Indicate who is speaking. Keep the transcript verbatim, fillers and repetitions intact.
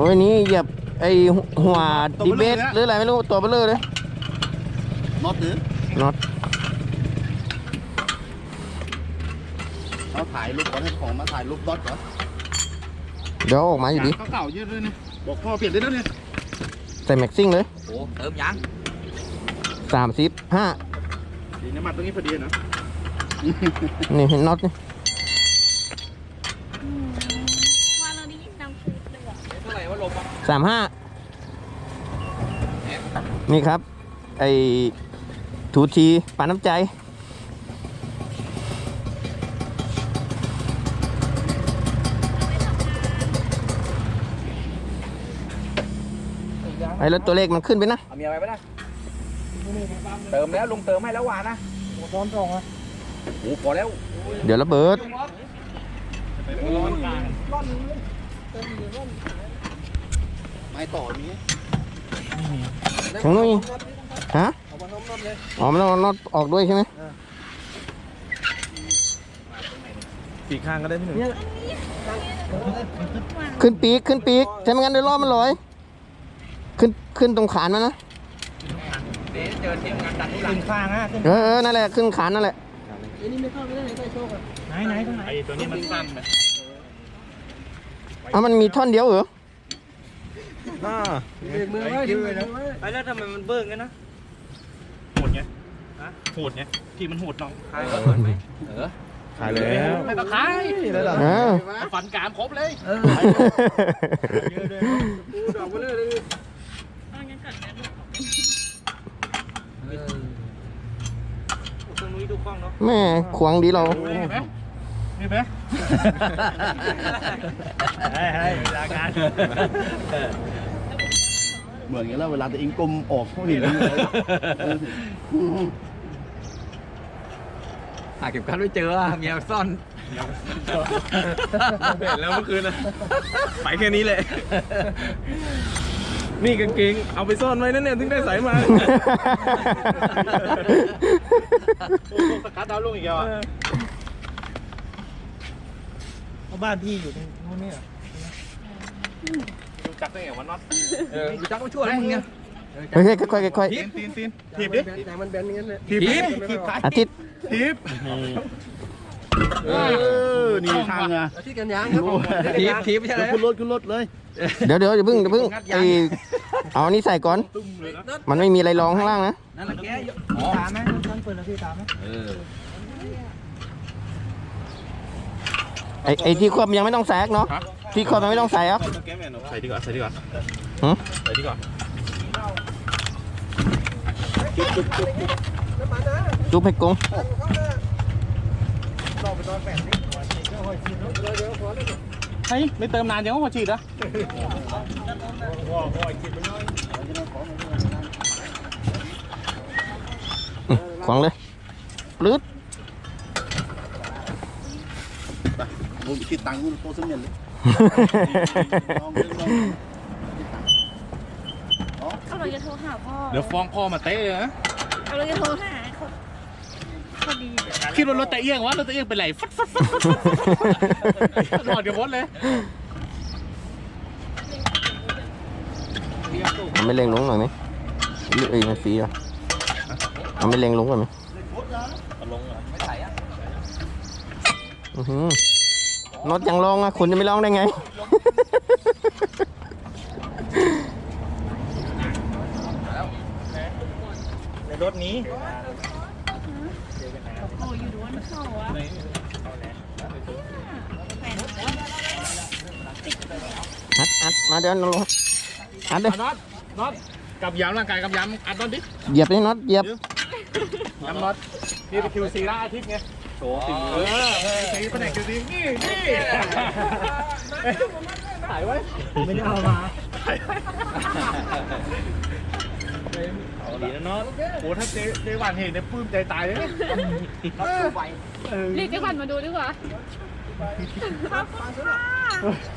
Speaker 1: อ้ยนี่เหยียบไอหัวดีเบสหรืออะไรไม่รู้ตัวเบลอเลย
Speaker 2: น็อตหรือ
Speaker 1: น็อต
Speaker 2: เราถ่ายรูปก่อนให้ของมาถ่ายรูปน็อตก่อน
Speaker 1: เดี๋ยวออกมาอยู่ดี
Speaker 2: เก่าๆเยอะเลยเนี่ยบอกพ่อเปลี่ยนได้แล้วเนี่ย
Speaker 1: ใส่แม็กซิ่งเลย
Speaker 3: โอ้เติมยัง
Speaker 1: สามสิบห้า
Speaker 2: ดีน้ำมันตรงนี้พอดีนะ
Speaker 1: นี่เห็นน็อตนี่
Speaker 4: ว่าเราได้ยินดังฟูดเลยอ่ะ
Speaker 3: เท่าไหร่ว่าลมอ่ะ
Speaker 1: สามห้านี่ครับไอถูทีปานน้ำใจไอ้รถตัวเลขมันขึ้นไปนะ
Speaker 3: เอาเมียไปไหมนะเติมแล้วลุงเติมให้แล้วหวานนะร้อนตรงอ่ะโอ้พอแล้ว
Speaker 1: เดี๋ยวระเบิด
Speaker 2: ไม่ต่อนี้
Speaker 1: ทางนู้นฮะอ๋อมันต้องน็อตออกด้วยใช่ไหม
Speaker 2: ปีกข้างก็ได้พี่หนึ่ง
Speaker 1: ขึ้นปีกขึ้นปีกใช่ไหมงั้นเดี๋ยวล้อมันลอยขึ้นขึ้นตรงขานมันนะ
Speaker 3: เดี๋ยวเจอทีมงานดันทุลัง
Speaker 2: ข้างนะ
Speaker 1: เออนั่นแหละขึ้นขานนั่นแหละ
Speaker 2: อันนี้ไม่เข้าไม่ได้ไหนใส่โชคอ่ะไหนไหนตรงไหนไอ้ตัวนี้มันสั้นไหม
Speaker 1: อ้าวมันมีท่อนเดียวเหรอ
Speaker 2: น่าเบรกมือไว้เบรกมือไว้
Speaker 3: ไอ้แล้วทำไมมันเบิ้งกันนะ
Speaker 2: โหดไงฮะโหดไงที่มันโหดน้อง
Speaker 3: ขายก็เปิดไหมเออ
Speaker 2: ขายแล้วไม่ต้องขายแล้วล่ะฝันกามครบเลยเออเยอะเลยปูดอกมาเลยเลย
Speaker 4: เอางั้นก่อนนะลูก
Speaker 3: ตรงนี้ดูกล้องเนาะ
Speaker 1: แม่ขวางดีเรา
Speaker 2: เห็นไหมเห็นไหมให้ให้เวลางานเหมือนกันแล้วเวลาตัวเองกลมออกเขาเห็นเลย
Speaker 3: หาเก็บกันไม่เจอเมียซ่อน
Speaker 2: เห็นแล้วเมื่อคืนนะไปแค่นี้เลยนี่กางเกงเอาไปซ่อนไว้นั่นเนี่ยถึงได้ใส่มาสกัดดาวลงอีกแล้วอ่ะบ้านพี่อยู่ตรงนู้นนี่เหรอรู้จักได้ไงวะน็อต
Speaker 3: รู้จักก็ช่วยมึงไง
Speaker 1: เฮ้ยค่อยๆค่อยๆ
Speaker 2: ตีนตีนตีนถีบดิแต่มันแบนอย่างนั้นเลยถีบถีบ
Speaker 1: อาทิตย์
Speaker 2: ถีบเออนี่ทางอ่ะ
Speaker 3: ที่กันยางครับถีบถีบใช่ไหม
Speaker 2: ขึ้นรถขึ้นรถเลย
Speaker 1: เดี๋ยวเดี๋ยวอย่าพึ่งอย่าพึ่งไอเอานี่ใส่ก่อนมันไม่มีอะไรรองข้างล่างนะ
Speaker 3: นั่นแหละแกตามไหมต้องเปิดแล้วพี่ตามไหมเออ
Speaker 1: ไอไอที่ควบยังไม่ต้องแซกเนาะที่ควบยังไม่ต้องใส่อ่ะ
Speaker 2: ใส่ดีกว่าใส่ดีกว่าใส่ดีกว่า
Speaker 1: จุ๊บให้กง
Speaker 2: เฮ้ยไม่เติมนานยังว่าพอฉีดอ่ะ
Speaker 1: ขวางเลยปลื้ด
Speaker 2: ผมคิดตังค์โตสมเด็จเลย
Speaker 4: เอาเราจะโทรหาพ่อ
Speaker 2: เดี๋ยวฟ้องพ่อมาเตะนะ
Speaker 4: เอาเราจะโทรหาพอดี
Speaker 2: คิดว่ารถตะเอียงวะรถตะเอียงเป็นไรฟัดฟัดฟัดฟัดหลอดเดี๋ยวพ้นเลย
Speaker 1: เอาไม่เล็งลงหน่อยไหมหรือเอ้ยมันฟรีอ่ะเอาไม่เล็งลงก่อนไหม
Speaker 2: ลงเหรอไม่ใส่อ่ะ
Speaker 1: อือหือน็อตยังลองอ่ะคุณจะไม่ลองได้ไง
Speaker 2: ในรถนี้
Speaker 4: โอ้อยู่ด้วนเขาอะ
Speaker 1: อัดอัดมาเดี๋ยวน็อตอัดเลย
Speaker 2: น็อตน็อตกับยำร่างกายกับยำอัดน็อตดิ
Speaker 1: เหยียบเลยน็อตเหยียบ
Speaker 2: ยำน็อตนี่เป็นคิวซีล่าอาทิตย์ไงโชว์สิเออซีแผนกคิวซีนี่นี่ถ่ายไว้ไม่ได้เอามาถ่ายไว้เอาดีนะน็อตโอ้ถ้าเจ๊เจ๊หวานเห็นเนี่ยปลื้มใจตายเลย
Speaker 4: เรียกเจ๊วันมาดูดีกว่าขอบคุณค่ะ